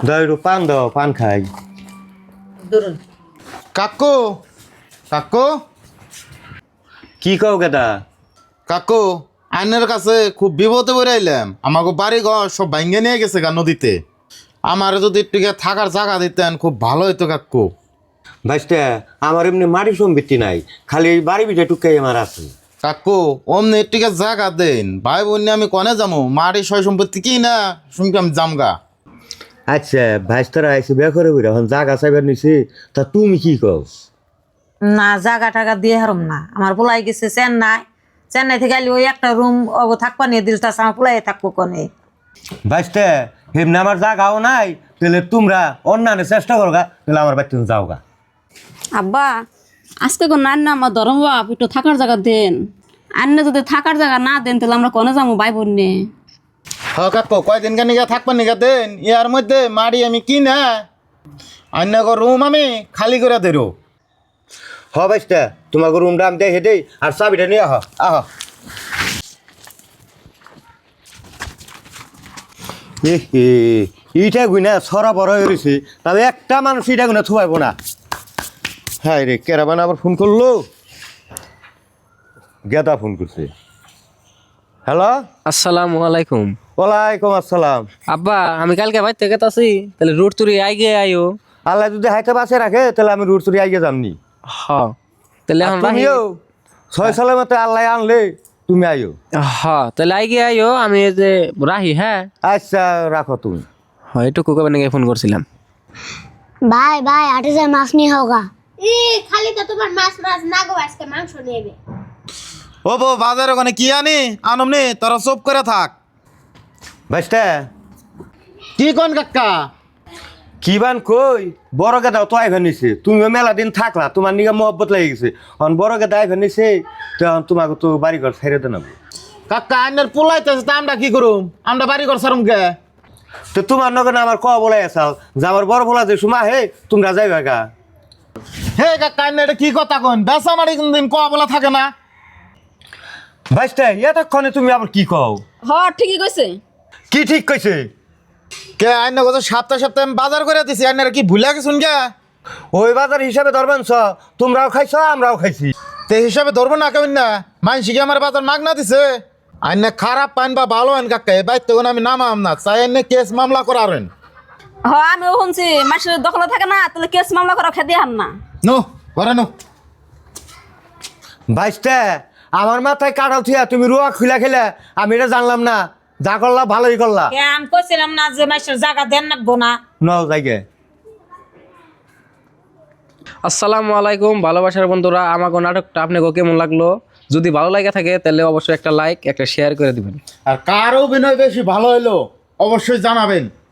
দইরু পান দাও, পান খাই। ধরুন কাকু কাকু কি কও গেদা? কাকু আইনের কাছে খুব বিপদে পড়ে আইলাম। আমাকে বাড়ি ঘর সব ভাঙ্গে নিয়ে গেছে গা নদীতে। আমার যদি একটু থাকার জায়গা দিতেন খুব ভালো হইতো কাকু। ভাইস্তে আমার এমনি মাটি সম্পত্তি নাই, খালি এই বাড়ি বিটা টুকাই আমার আছে। কাকু অমনি একটু জায়গা দেন, ভাই বোন নিয়ে আমি কনে যাবো? মাটি সয় সম্পত্তি কি না শুনকে আমি জামগা। আচ্ছা ভাইস্তারা আইসে বিয়া করে বইরা এখন জাগা চাইবার নিছি, তা তুমি কি কও? না, জাগা টাকা দিয়ে হারম না। আমার পোলাই গেছে চেন্নাই থেকে আইলে ওই একটা রুম থাকবা নিয়ে দিল, তাছাড়া আমার পোলাই থাকবো কনে। ভাইস্তে এমনি আমার জাগাও নাই, তাহলে তোমরা অন্যান্য চেষ্টা করো গা, তাহলে আমার বাড়িতে যাও গা। আব্বা আজকে কোন নান না আমার ধরম বাপ একটু থাকার জায়গা দেন। আন্নে যদি থাকার জায়গা না দেন তাহলে আমরা কোনে যাবো ভাই বোন নিয়ে? হ্যাঁ কাকু কয়দিন কেন থাকবেন নিগা দেন। ইয়ার মধ্যে মাড়ি আমি কি না অন্য রুম আমি খালি করে দেরো। হ ভাইস্তে তোমাকে রুমটা আমি দেখে দেই, আর চাবিটা নিয়ে আহ আহ। ইটা গুইনা ছড়া বড় হয়ে রয়েছে, তবে একটা মানুষ ইটা গুনা থুয়াইব না। হ্যাঁ রে, কেরাবান আবার ফোন করলো। গেদা ফোন করছে। হ্যালো, আসসালামু আলাইকুম। ওয়ালাইকুম আসসালাম। আব্বা আমি কালকে বাইর থেকে আছি, তাহলে রুট তুরি আইগে আইও। আল্লাহ যদি হাইতে বাঁচে রাখে তাহলে আমি রুট চুরি আইগে যামনি। হ তাহলে এখন রাহি। তুমিও 6 সালের মতো আল্লাহ আনলে তুমি আইও। হ তাহলে আইগে আইও, আমি এই যে রাহি। হ্যাঁ আচ্ছা রাখো তুমি। হয় একটু কোকা বানিয়ে ফোন করছিলাম। ভাই ভাই আটে যায় মাছ নিয়ে হোগা। খালি তো তোমার মাছ মাছ না গো, আজকে মাংস নেবে। ও বো বাজারে ওখানে কি আনি আনমনি, তোরা চুপ করে থাক। ভাইস্তে কি কোন কাকা? কি বান কই, বড় গেদাও তো আইভা নিছে। তুমিও মেলা দিন থাকলা, তোমার নিগা মহব্বত লেগে গেছে। এখন বড় গেদা আইভা নিছে, তখন তোমাকে তো বাড়ি ঘর ছেড়ে দেন। কাকা আইনের পোলাইতেছে, তা আমরা কি করুম? আমরা বাড়ি ঘর সারুম কে? তো তোমার নগর আমার ক বলে আসাল যে আমার বড় বলা যে সময় হে তোমরা যাইবা গা। হে কাকা আইনের এটা কি কথা কোন? বেসা মারি কোনদিন ক বলা থাকে না। ভাইস্তে এতক্ষণে তুমি আবার কি কও? হ ঠিকই কইছে। কি ঠিক কইছে? কে আইন কত সপ্তাহে সপ্তাহে আমি বাজার করে দিছি, আইনের কি ভুলে গেছুন কে? ওই বাজার হিসাবে ধরবেন ছ, তোমরাও খাইছ আমরাও খাইছি। তে হিসাবে ধরবো না কেমন না? মানসি কি আমার বাজার মাগ না দিছে? আইনে খারাপ পাইন বা ভালো আইন কাকা, এ বাইর তখন আমি নামাম না, চাই আইনে কেস মামলা করারেন। হ আমিও শুনছি মাসের দখলে থাকে না, তাহলে কেস মামলা করা খেতে হান না। নো করে নো। ভাইস্তে আমার মাথায় কাটাল থিয়া তুমি রুয়া খুলা খেলে, আমি এটা জানলাম না। যা করলা ভালোই করলা। আমি কইছিলাম না যে মাসের জায়গা দেন রাখবো না। নাও যাইগে। আসসালামু আলাইকুম ভালোবাসার বন্ধুরা, আমাকে নাটকটা আপনাকে কেমন লাগলো? যদি ভালো লাগে থাকে তাহলে অবশ্যই একটা লাইক একটা শেয়ার করে দিবেন। আর কার অভিনয় বেশি ভালো হইলো অবশ্যই জানাবেন।